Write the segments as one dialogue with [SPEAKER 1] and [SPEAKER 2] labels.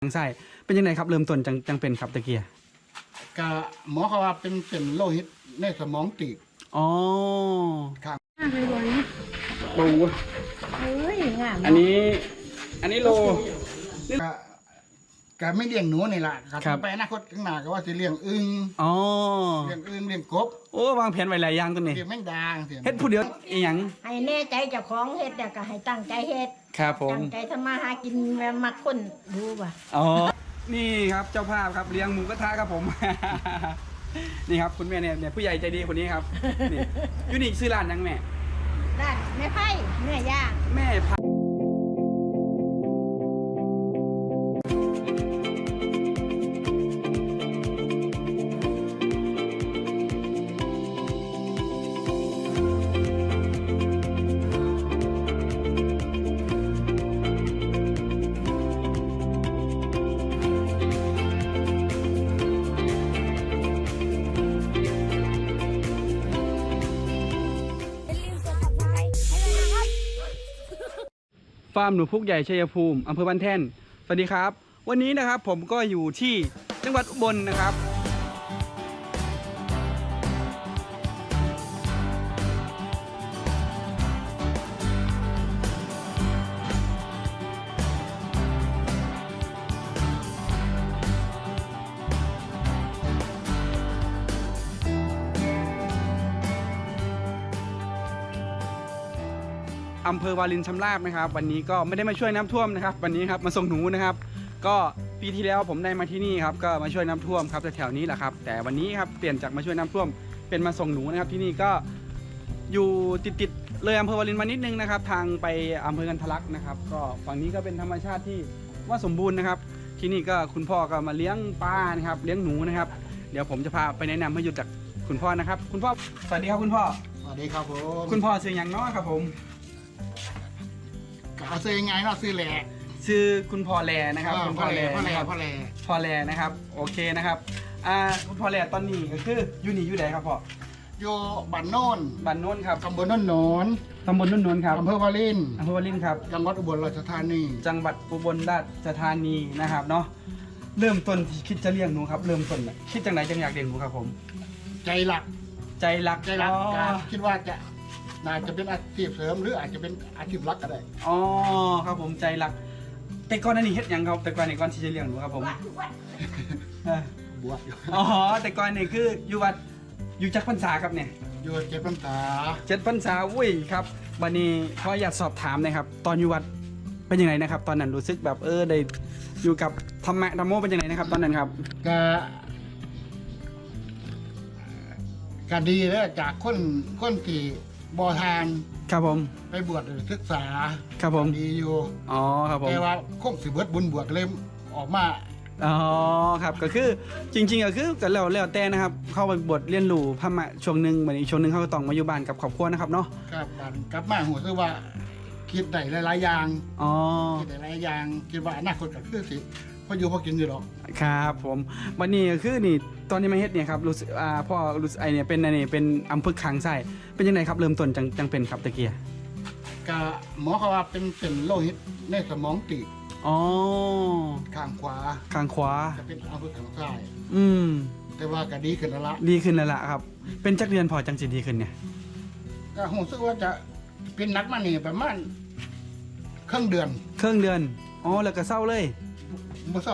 [SPEAKER 1] ทางไส้เป็นยังไงครับเริ่มต้นจังเป็นครับตะเกีย
[SPEAKER 2] กะหมอเขาว่าเป็นโลหิตในสมองตีบ
[SPEAKER 1] อ๋อ
[SPEAKER 2] ครับ
[SPEAKER 3] ไปบน
[SPEAKER 1] ปู
[SPEAKER 3] เฮ้ยงาม
[SPEAKER 1] อันนี้โล
[SPEAKER 2] กะไม่เลี้ยงหนูนี่แหละครับไปอนาคตข้างหน้าก็ว่าจะเลี้ยงอึ่ง
[SPEAKER 1] อ๋อ
[SPEAKER 2] เลี้ยงอึ่งเลี้ยงกบ
[SPEAKER 1] โอ้วางแผนไว้หลายอย่างตัวนี้
[SPEAKER 2] เลี้ยงแมงดา
[SPEAKER 1] เฮ็ดผู้เดียวอีหยัง
[SPEAKER 3] ให้แน่ใจเจ้าของเฮ็ดแต่ก็ให้ตั้งใจเฮ็ด
[SPEAKER 1] ครับผม
[SPEAKER 3] ตั้งใจทำมาหากินแม่มักคนดูป่ะ
[SPEAKER 1] อ๋อนี่ครับเจ้าภาพครับเลี้ยงหมูกระทะครับผม นี่ครับคุณแม่เนี่ยผู้ใหญ่ใจดีคนนี้ครับนี่ยูนิคซื้อร้านยังแม่
[SPEAKER 3] ร้านแม่ไผ่แม่ย่าง
[SPEAKER 1] แม่ไผ่ฟาร์มหนูพุกใหญ่ชัยภูมิอำเภอบ้านแท่นสวัสดีครับวันนี้นะครับผมก็อยู่ที่จังหวัดอุบลนะครับอำเภอวารินชำราบนะครับวันนี้ก็ไม่ได้มาช่วยน้ำท่วมนะครับวันนี้ครับมาส่งหนูนะครับก็ปีที่แล้วผมได้มาที่นี่ครับก็มาช่วยน้ำท่วมครับแถวนี้แหละครับแต่วันนี้ครับเปลี่ยนจากมาช่วยน้ำท่วมเป็นมาส่งหนูนะครับที่นี่ก็อยู่ติดเลยอำเภอวารินมานิดนึงนะครับทางไปอำเภอกันทะลักนะครับก็ฝั่งนี้ก็เป็นธรรมชาติที่ว่าสมบูรณ์นะครับที่นี่ก็คุณพ่อก็มาเลี้ยงปลานะครับเลี้ยงหนูนะครับเดี๋ยวผมจะพาไปแนะนำให้หยุดจากคุณพ่อนะครับคุณพ่อสวัสดีครับคุณพ่อ
[SPEAKER 2] สวัสดีครับผม
[SPEAKER 1] คุณพ่อชื่ออย่างน้อยครับผม
[SPEAKER 2] เอาซื้อยังไงเนาะซื้อแหล่
[SPEAKER 1] ชื่อคุณพ่อแลนะครับคุณพ่อแลนะครับโอเคนะครับคุณพ่อแลตอนนี้ก็คืออยู่ไหนครับพ่อ
[SPEAKER 2] อยู่บ้านโน่น
[SPEAKER 1] ครับ
[SPEAKER 2] ตำบลโน่นโนน
[SPEAKER 1] ครับ
[SPEAKER 2] อำเภอวาริน
[SPEAKER 1] ครับ
[SPEAKER 2] จังหวัดอุบลราชธานี
[SPEAKER 1] นะครับเนาะเริ่มต้นที่คิดจะเลี้ยงหนูครับเริ่มต้นคิดจังไหนจังอยากเลี้ยงหนูครับผม
[SPEAKER 2] ใจหลักคิดว่าน่าจะเป็นอาชีพเสริมหรืออาจจะเป็นอาชีพหลักก็ได้
[SPEAKER 1] อ๋อครับผมใจหลักแต่ก่อนนั้นนี่เฮ็ดยังครับแต่ก่อนที่จะเลี้ยงหนูครับผม
[SPEAKER 2] บวช
[SPEAKER 1] อ๋อแต่ก่อนนี่คืออยู่วัดอยู่จักพรรษาครับเนี่ย
[SPEAKER 2] อยู่7 พรรษา
[SPEAKER 1] อุ้ยครับวันนี้ขออยากสอบถามนะครับตอนอยู่วัดเป็นยังไงนะครับตอนนั้นรู้สึกแบบได้อยู่กับธรรมะเป็นยังไงนะครับตอนนั้นครับ
[SPEAKER 2] ก็ดีแล้วจากคนที่บ่ทาน
[SPEAKER 1] ครับผม
[SPEAKER 2] ไปบวชศึกษา
[SPEAKER 1] ครับผม
[SPEAKER 2] ดีอยู่
[SPEAKER 1] อ๋อครับผม
[SPEAKER 2] แต่ว่าคงสิเบิดบุญบวชเลยออกมา
[SPEAKER 1] อ๋อครับก็คือจริงๆก็คือกันแล้วแต่นะครับเข้าไปบวชเรียนรู้พระมะช่วงหนึ่งเหมือนอีกช่วงหนึ่งเขาก็ต้องมาอยู่บ้านกับครอบครัวนะครับเนาะ
[SPEAKER 2] ครับกลับมาหัวคือว่าคิดได้หลายๆอย่าง
[SPEAKER 1] อ๋อ
[SPEAKER 2] คิดได้หลายอย่างคิดว่าอนาคตก็คือสิพออยู่พอกินอยู่หรอก
[SPEAKER 1] ครับผมวันนี้ก็คือนี่ตอนนี้มาเฮ็ดเนี่ยครับรู้สึกพ่อรู้สึกเนี่ยเป็นนี่เป็นอำเภอคางไส้เป็นยังไงครับเริ่มต้นจังเป็นครับตะเกีย
[SPEAKER 2] กะหมอเขาว่าเป็นโลหิตในสมองตีบ
[SPEAKER 1] อ๋อ
[SPEAKER 2] ข้างขวาจะเป็นอำเภอคางไส้แต่ว่าก็ดีขึ้นแล้ว
[SPEAKER 1] ละครับเป็นจักเดือนพอจังสิดีขึ้นเนี่ย
[SPEAKER 2] ก็ผมรู้สึกว่าจะเป็นนักมานี่ประมาณครึ่งเดือน
[SPEAKER 1] อ๋อแล้วก็เศร้าเลย
[SPEAKER 2] เมื่อเศร้า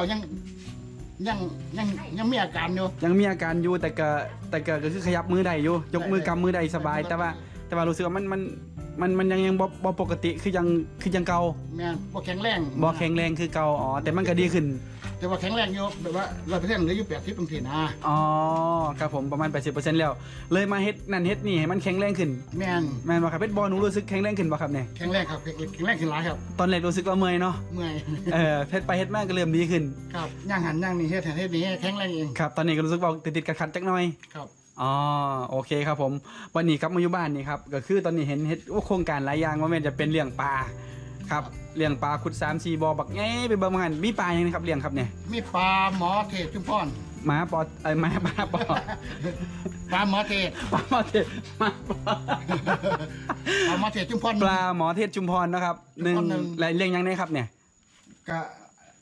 [SPEAKER 2] ยังมีอาการ
[SPEAKER 1] อยู่แต่ก็คือขยับมือได้อยู่ยกมือกำมือได้สบายแต่ว่ารู้สึกว่ามันยังบ่ปกติคือยังเก่า
[SPEAKER 2] แม่บ่แข็งแ
[SPEAKER 1] รงคือเก่าอ๋อแต่มันก็ดีขึ้น
[SPEAKER 2] แต่ว่าแข็งแรงอยู่แบบว่า100%เหลืออยู่80%นะ
[SPEAKER 1] อ๋อครับผมประมาณ 80% แล้วเลยมาเฮ็ดนั่นเฮ็ดนี่ให้มันแข็งแรงขึ้น
[SPEAKER 2] แม่
[SPEAKER 1] นบ่ครับเพชรบอลหนูรู้สึกแข็งแรงขึ้นบ่ครับเนี่ย
[SPEAKER 2] แข็งแรงครับแข็งแรงขึ้นหลายครับ
[SPEAKER 1] ตอนแรกรู้สึกว่าเมื่อยเนาะเพชรไปเฮ็ดมาก็เริ่มดีขึ้น
[SPEAKER 2] ครับย่างหันย่างนี่เฮ็ดนี่แข็งแรงเอง
[SPEAKER 1] ครับตอนนี้ก็รู้สึกว่าติดๆขัดๆจักหน่อย
[SPEAKER 2] ครับ
[SPEAKER 1] อ๋อโอเคครับผมวันนี้ครับมาอยู่บ้านนี่ครับก็คือตอนนี้เห็นโครงการหลายอย่างว่ามันจะเป็นเลี้ยงปลาครับเลี้ยงปลาขุด3-4บ่อบักไงไปเบิ่งมันมีปลาอย่างนี้ครับเลี้ยงครับเนี่ย
[SPEAKER 2] มีปลาหมอเทศชุมพร
[SPEAKER 1] หมาปอหมาปลาปอ
[SPEAKER 2] ปลาหมอเทศ
[SPEAKER 1] ปลาหมอเทศ
[SPEAKER 2] ชุมพร
[SPEAKER 1] ปลาหมอเทศชุมพรนะครับ1เลี้ยงยังไงครับเนี่ย
[SPEAKER 2] ก็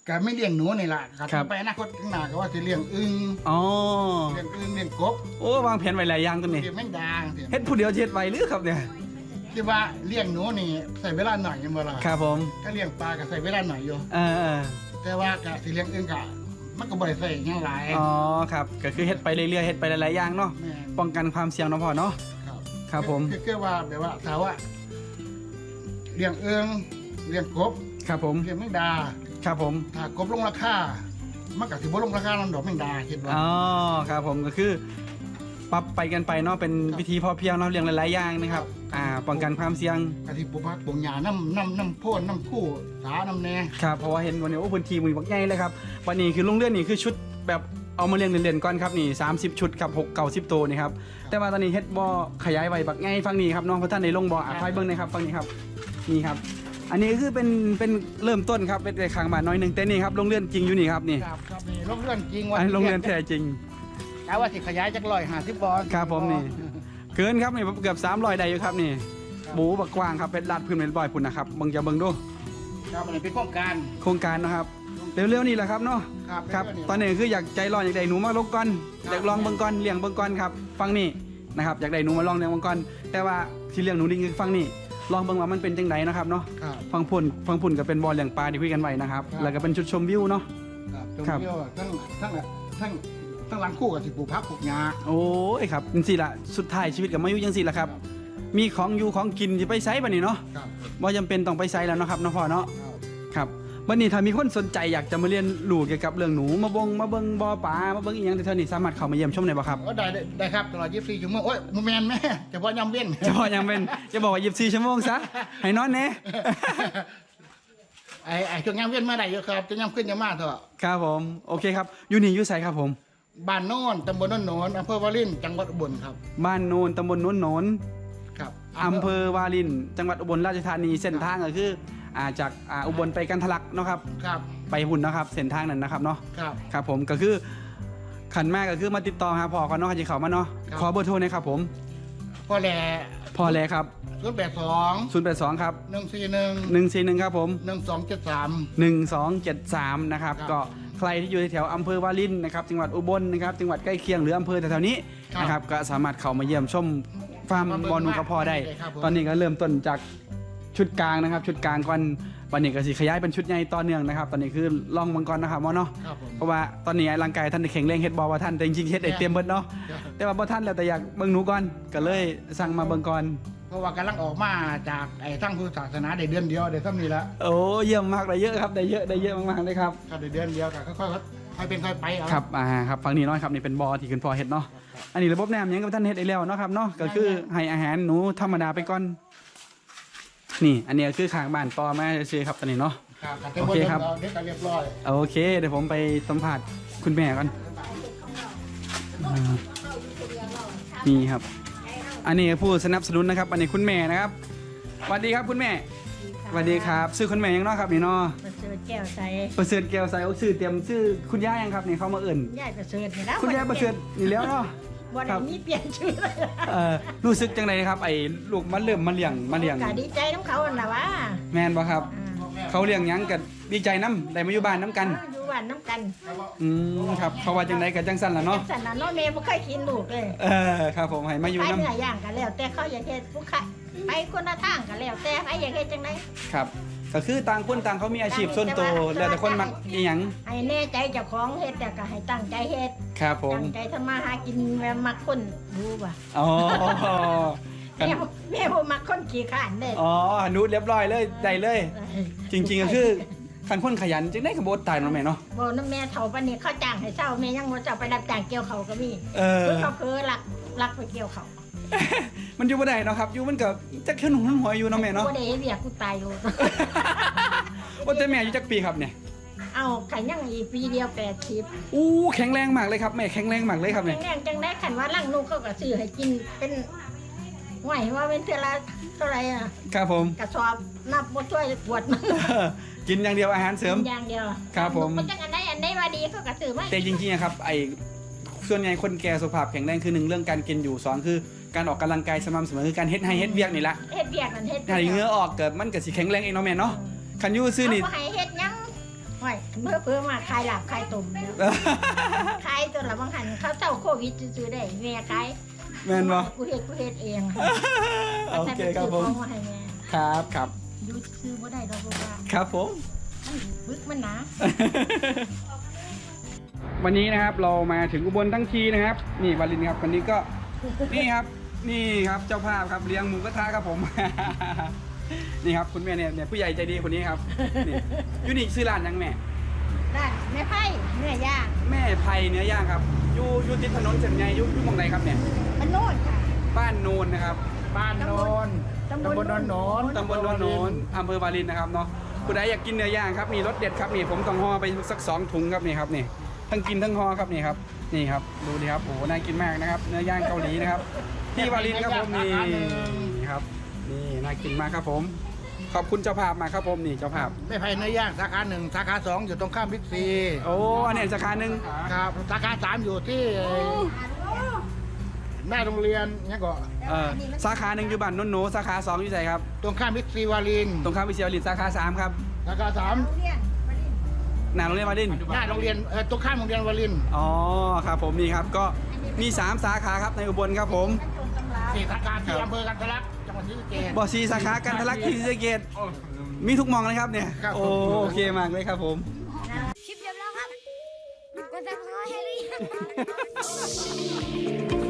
[SPEAKER 2] ก็ไม่เลี้ยงหนูนี่ล่ะครับไปอนาคตข้างหน้าก็ว่าจะเลี้ยงอึ่ง
[SPEAKER 1] อ๋อ
[SPEAKER 2] เลี้ยงอึ่งเลี้ยงกบ
[SPEAKER 1] โอ้วางแผนไว้หลายอย่างตัวนี้
[SPEAKER 2] เลี้ยงแมงดา
[SPEAKER 1] เฮ็ดผู้เดียวเฮ็ดไว้หรือครับเนี่ย
[SPEAKER 2] ที่ว่าเลี้ยงหนูนี่ใส่เวลาหน่อยยังบ่ล่ะ
[SPEAKER 1] ครับผม
[SPEAKER 2] ถ้าเลี้ยงปลาก็ใส่เวลาหน่อยอยู่
[SPEAKER 1] เออ
[SPEAKER 2] แต่ว่าก็สิเลี้ยงอึ่งก็มันก็บ่ได้ใส่หยังหลาย
[SPEAKER 1] อ๋อครับก็คือเฮ็ดไปเรื่อยๆเฮ็ดไปหลายๆอย่างเนาะ
[SPEAKER 2] แม่น
[SPEAKER 1] ป้องกันความเสี่ยงเนาะพ่อเนาะ
[SPEAKER 2] ครับ
[SPEAKER 1] ครับผม
[SPEAKER 2] คือว่าแบบว่าถ้าว่าเลี้ยงอึ่งเลี้ยงกบ
[SPEAKER 1] ครับผม
[SPEAKER 2] เลี้ยงแมงดา
[SPEAKER 1] ครับผม
[SPEAKER 2] ถ้ากบลงราคามันก็สิบ่ลงราคานำดอกแมงดาคิดว่า
[SPEAKER 1] อ๋อครับผมก็คือปรับไปกันไปเนาะเป็นวิธีพอเพียงเนาะเรื่องหลายๆอย่างนะครับป้องกันความเสี่ยง
[SPEAKER 2] กะสิปลูกผักปลูกหญ้าน้ำโพนน้ำคู่สาน้ำแหน่
[SPEAKER 1] ครับเพราะว่าเห็นวันนี้โอ้พื้นที่มือบักใหญ่เลยครับวันนี้คือลงเรือนนี่คือชุดแบบเอามาเลี้ยงเล่นๆก่อนครับนี่30ชุดกับ6-90ตัวนี่ครับแต่ว่าตอนนี้เฮ็ดบ่อขยายไว้บักใหญ่ฝั่งนี้ครับน้องพระท่านในลงบ่อไฟเบิ่งนะครับฝั่งนี้ครับนี่ครับอันนี้คือเป็นเริ่มต้นครับเป็นข้างบ้านน้อยหนึงแต่นี่ครับลงเรือนจริงอยู่นี่ครับนี่
[SPEAKER 2] ครับนี่โรงเรือนจริงว่า
[SPEAKER 1] อันนลงเรือนแท้จริง
[SPEAKER 2] แต่ว่าสิขยายจาก150บ่อ
[SPEAKER 1] ครับผมนี่ เกินครับนี่เกือบ300ได้อยู่ครับนี่หมูบักกว้างครับเป็นลาดพื้นเป็นบ่อยพุ่นนะครับเบิ่งจะเบิ่งดู
[SPEAKER 2] ครับอันนี้เป็นโครงการ
[SPEAKER 1] โครงการนะครับเร็วๆนี่แหละครับเนาะ
[SPEAKER 2] ครับ
[SPEAKER 1] ครับตอนนี้คืออยากใจร้อนอยากได้หนูมาลงก่อนอยากลองเบิ่งก่อนเลี้ยงเบิ่งก่อนครับฟังนี่นะครับอยากได้หนูมาลองเลี้ยงเบิ่งก่อนแต่ว่าที่เลี้ยงหนูนี่คือฟังนี่ลองเบิ่งว่ามันเป็นจังไดนะครับเนาะ
[SPEAKER 2] ครับ
[SPEAKER 1] ฟังพุ่นก็เป็นบ่อเลี้ยงปลาที่คุยกันไว้นะครับแล้วก็เป็นจุดชมวิวเนาะ
[SPEAKER 2] ครับตรง
[SPEAKER 1] ครับ
[SPEAKER 2] เดียวทั้งหลังคู่กับสิปลูกผักปลูกหญ้า
[SPEAKER 1] โอ้ยครับจังซี่ล่ะสุดท้ายชีวิตก็มาอยู่จังซี่ล่ะครับมีของอยู่ของกินสิไปไสบัดนี้เนาะ
[SPEAKER 2] ครับ
[SPEAKER 1] บ่จำเป็นต้องไปไสแล้วเนาะครับเนาะพ่อเนาะ
[SPEAKER 2] ครับ
[SPEAKER 1] ครับวันนี้ถ้ามีคนสนใจอยากจะมาเรียนรู้เกี่ยวกับเรื่องหนูมาเบิ่งบ่อปลามาเบิ่งอีหยังแถวๆนี้สามารถเข้ามาเยี่ยมชมได้บ่ครับ
[SPEAKER 2] ก็ได้ครับตลอด24ชั่วโมงโอ้ยบ่แม่นแม่เฉพาะยามเว้น
[SPEAKER 1] จะบอกยังเป็นจะบอกว่า24ชั่วโมงซะให้นอนแน่
[SPEAKER 2] ไอ้ช่วงยามเว้นมาได้อยู่ครับจะยามขึ้นยามมาเถอะ
[SPEAKER 1] ครับผมโอเคครับอยู่นี่อยู่ไสครับผม
[SPEAKER 2] บ้านโน่นตำบลโน่นโหนนอำเภอวารินจังหวัดอุบลครับ
[SPEAKER 1] บ้านโนนตำบลโนนโหนน
[SPEAKER 2] ครับ
[SPEAKER 1] อำเภอวารินจังหวัดอุบลราชธานีเส้นทางก็คือจากอุบลไปกันทะลักเนาะครับ
[SPEAKER 2] ครับ
[SPEAKER 1] ไปหุ่นเนาะครับเส้นทางนั้นนะครับเนาะ
[SPEAKER 2] ครับ
[SPEAKER 1] ครับผมก็คือขันแม่ก็คือมาติดต่อหาพ่อก่อนเนาะจะเข้ามาเนาะ
[SPEAKER 2] ครับ
[SPEAKER 1] ขอเบอร์โทรหนะครับผม
[SPEAKER 2] พ่อแหล่
[SPEAKER 1] พ่อแลครับ
[SPEAKER 2] 082
[SPEAKER 1] 082ครับ
[SPEAKER 2] 141
[SPEAKER 1] 141ครับผม
[SPEAKER 2] 1273
[SPEAKER 1] 1273นะครับ
[SPEAKER 2] ครับ
[SPEAKER 1] ก็ใครที่อยู่แถวอำเภอวารินนะครับจังหวัดอุบลนะครับจังหวัดใกล้เคียงหรืออำเภอแถวๆนี้
[SPEAKER 2] ครับ
[SPEAKER 1] นะครับก็สามารถเข้ามาเยี่ยมชมฟาร์ม
[SPEAKER 2] มาเบิ่ง
[SPEAKER 1] บอลนูกระพอได้
[SPEAKER 2] ครับผม
[SPEAKER 1] ตอนนี้ก็เริ่มต้นจากชุดกลางนะครับ ชุดกลางก่อนวันนี้ก็สิขยายเป็นชุดใหญ่ต่อเนื่องนะครับ ตอนนี้คือล่องมังกรนะครับหมอเนาะ
[SPEAKER 2] ครับผม
[SPEAKER 1] เพราะว่าตอนนี้ร่างกายท่านได้แข็งแรงเฮ็ดบอว่าท่านแต่จริงๆเฮ็ดได้เต็มเบิดเนาะ
[SPEAKER 2] ครับ
[SPEAKER 1] แต่ว่าบ่ท่านแล้วแต่อยากเบิ่งหนูก่อนก็เลยสั่งมาเบิ่งก่อน
[SPEAKER 2] เพราะว่ากำลังออกมาจากไอ้ทั้งพุทธศาสนาได้เดือนเดียวได้ซ้ำนี้ละ
[SPEAKER 1] โอ้เยี่ยมมากได้เยอะครับได้เยอะมากๆเลยครับ
[SPEAKER 2] ครับได้เดือนเดียวก็ค่อยเป็นค่อยไปเอา
[SPEAKER 1] ครับครับฝั่งนี้เนาะครับนี่เป็นบอที่ขึ้นพอเฮ็ดเนาะอันนี้ระบบน้ำยังกับท่านเฮ็ดได้แล้วเนาะครับเนาะก็คือให้อาหารหนูธรรมดาไปก่อนนี่อันนี้ก็คือข้างบ้านต่อมาซื่อๆครับตอนนี้เนาะ
[SPEAKER 2] ครับแต่
[SPEAKER 1] โอเคครับ
[SPEAKER 2] เด็กก็เรียบร้อย
[SPEAKER 1] โอเคเดี๋ยวผมไปสัมผัสคุณแม่ก่อนนี่ครับ อันนี้ผู้สนับสนุนนะครับ อันนี้คุณแม่นะครับสวัสดีครับคุณแม่สวัสดีครับชื่อคุณแม่ยังเนาะครับนี่เนาะ
[SPEAKER 3] ประเสริฐแก้วใส
[SPEAKER 1] ประเสริฐแก้วใสโอ้ชื่อเตรียมชื่อคุณย่ายังครับนี่เขามาเอิ่น
[SPEAKER 3] ยายประเสริฐนี่แล้ว
[SPEAKER 1] คุณย่าประเสริฐนี่แล้วเนาะ
[SPEAKER 3] บ่ได้มีเปลี่ยนชื่อเลย
[SPEAKER 1] รู้สึกจังไดครับไอ้ลูกมันเริ่มมาเลี้ยง
[SPEAKER 3] ก็ดีใจน้ำเขาน่ะว่า
[SPEAKER 1] แม่นบ่ครับ
[SPEAKER 3] อ่า
[SPEAKER 1] เขาเลี้ยงหยังก็ดีใจน้ำได้มาอยู่บ้านน้ำกัน
[SPEAKER 3] อยู่บ้านน้ำกัน
[SPEAKER 1] ครับเขาว่าจังไดก็จังสั่นล่ะเนาะ
[SPEAKER 3] สันน่ะเนาะแม่บ่เคยกินลูกเลย
[SPEAKER 1] ครับผมให้มาอยู่
[SPEAKER 3] ไป
[SPEAKER 1] น้ำ
[SPEAKER 3] เนื้อย่างกันแล้ว แต่เขาอยากเฮ็ดผู้ขายไปคนละทางกันแล้วแต่ไปอยากเฮ็ดจังได
[SPEAKER 1] ครับก็คือต่างคนต่างเขามีอาชีพส่วนตัวแล้วแต่คนมักอีหยัง
[SPEAKER 3] ให้แน่ใจเจ้าของเฮ็ดแต่ก็ให้ตั้งใจเฮ็ด
[SPEAKER 1] ครับผม
[SPEAKER 3] ตั้งใจทำมาหากินแม่มักคนรู้ป่ะ
[SPEAKER 1] อ๋อกัน
[SPEAKER 3] แม่บ่มักคนขี้ขลาดเด้
[SPEAKER 1] อ๋อนูดเรียบร้อยเลยได้เลย จริงๆก็คือคันคนขยันจึงได้ขบวนตายเนาะแม่เนาะ
[SPEAKER 3] บ่นำแม่เฒ่าปานนี้เขาจ้างให้เช้าแม่ยังบ่เจ้าไปรับจ้างเกี่ยวเขาวก็มี คือเขาคือลักไปเกี่ยวเขา
[SPEAKER 1] มันอยู่บ่ได้เนาะครับอยู่มันก็จักขึ้นหัวอยู่เนาะแม่เนาะ
[SPEAKER 3] บ่ได้เฮ็ดเวียกกูตายอยู่
[SPEAKER 1] ว่าแต่แม่อายุจักปีครับเนี่ย
[SPEAKER 3] เอาขันยังอีกปีเดียว80
[SPEAKER 1] อู้แข็งแรงมากเลยครับแม่แข็งแรงมากเลยครับเนี่ย
[SPEAKER 3] แรงจังได้ขันว่าลังลูกเขาก็ซื้อให้กินเป็นไหวว่าเป็นเท่าไรเท่าไหร่อ่ะ
[SPEAKER 1] ครับผม
[SPEAKER 3] กระสอบนับบ่ช่วยปวดมัน
[SPEAKER 1] กินอย่างเดียวอาหารเสริม
[SPEAKER 3] อย่างเดียว
[SPEAKER 1] ครับผม
[SPEAKER 3] นจังอันใดว่าดีเขาก็ซื้อมา
[SPEAKER 1] แต่จริงๆอะครับไอ้ส่วนใหญ่คนแก่สุขภาพแข็งแรงคือหนึ่งเรื่องการกินอยู่สองคือการออกกำลังกายสม่ำเสมอคือการเฮ็ดให้เฮ็ดเวียกนี่ละ
[SPEAKER 3] เฮ็ดเวียกนั่นเฮ็ด
[SPEAKER 1] ถ้าเหงื่อออกเกิดมันก็สิแข็งแรงเองเนาะแม่เนาะคันอยู่ซื่อนี่
[SPEAKER 3] เอาบ่ให้เฮ็ดหยังห้อยเพิ่มมาขายหลับขายตุ่มเนี่ยขายตัวละบางหันเขาเจ้าโควิดซื้อได้แม่ขาย
[SPEAKER 1] แม่นบ่
[SPEAKER 3] กูเฮ็ดเอง
[SPEAKER 1] โอเคครับผม
[SPEAKER 3] เอามาให้แม่
[SPEAKER 1] ครับครับ
[SPEAKER 3] ดูซื้อบ่ได้ดอกว่า
[SPEAKER 1] ครับผม
[SPEAKER 3] มันบึกมันหนา
[SPEAKER 1] วันนี้นะครับเรามาถึงอุบลทั้งทีนะครับ นี่วาลินครับวันนี้ก็นี่ครับนี่ครับเจ้าภาพครับเลี้ยงหมูกระทะครับผม นี่ครับคุณแม่เนี่ยผู้ใหญ่ใจดีคนนี้ครับนี่ยูนิคซื้อร้านยังแม่
[SPEAKER 3] ด้านแม่ไผ่เนื้อย่าง
[SPEAKER 1] แม่ไพเนื้อย่างครับอยู่ติดถนนเส้นใหญ่อยู่หมองไหนครับเนี่ย
[SPEAKER 3] มันโน่นค่ะ
[SPEAKER 1] บ้านโนนนะครับ
[SPEAKER 2] บ้านโนนตำบลโนน
[SPEAKER 1] ตำบลโนนอำเภอวารินนะครับเนาะผู้ใดอยากกินเนื้อย่างครับมีรสเด็ดครับนี่ผมต้องห่อไปสัก2 ถุงครับนี่ครับนี่ทั้งกินทั้งห่อครับนี่ครับนี่ครับดูดิครับโอ้โหน่ากินมากนะครับเนื้อย่างเกาหลีนะครับที่วารินครับผมนี่ครับนี่น่ากินมากครับผมขอบคุณเจ้าภาพมากครับผมนี่เจ้าภาพ
[SPEAKER 2] ไม่ไผ่เนื้อย่างสาขา1สาขา2อยู่ตรงข้ามบิ๊กซี
[SPEAKER 1] โอ้อันนี้สาขาหนึ่ง
[SPEAKER 2] ครับสาขา3อยู่ที่หน้าโรงเรียนเนี่ยก็
[SPEAKER 1] สาขาหนึ่งอยู่บ้านโนนโนสาขา2อยู่ไหนครับ
[SPEAKER 2] ตรงข้ามบิ๊กซีวาริน
[SPEAKER 1] ตรงข้ามวิเชียรลินสาขา3ครับ
[SPEAKER 2] สาขา
[SPEAKER 3] โรงเรียนมาดิ
[SPEAKER 1] หน้าโรงเรียนวาริน
[SPEAKER 2] 3หน้าโรงเรียนตรงข้ามโรงเรียนวาริน
[SPEAKER 1] อ๋อครับผมนี่ครับก็มี3 สาขาครับในอุบลครับผม
[SPEAKER 3] มันตรงตำรา
[SPEAKER 2] 4สาขาที่อำเภอกันทะลักจังหวัดศรีสะเกษ
[SPEAKER 1] บ่อซีสาขากันทะลักที่ศรีสะเกษมีทุกหมองเลยครับเนี่ย
[SPEAKER 2] ครับ
[SPEAKER 1] โอเคมากเลยครับผม
[SPEAKER 4] คลิปจบแล้วครับกดติดตามให้หรือยัง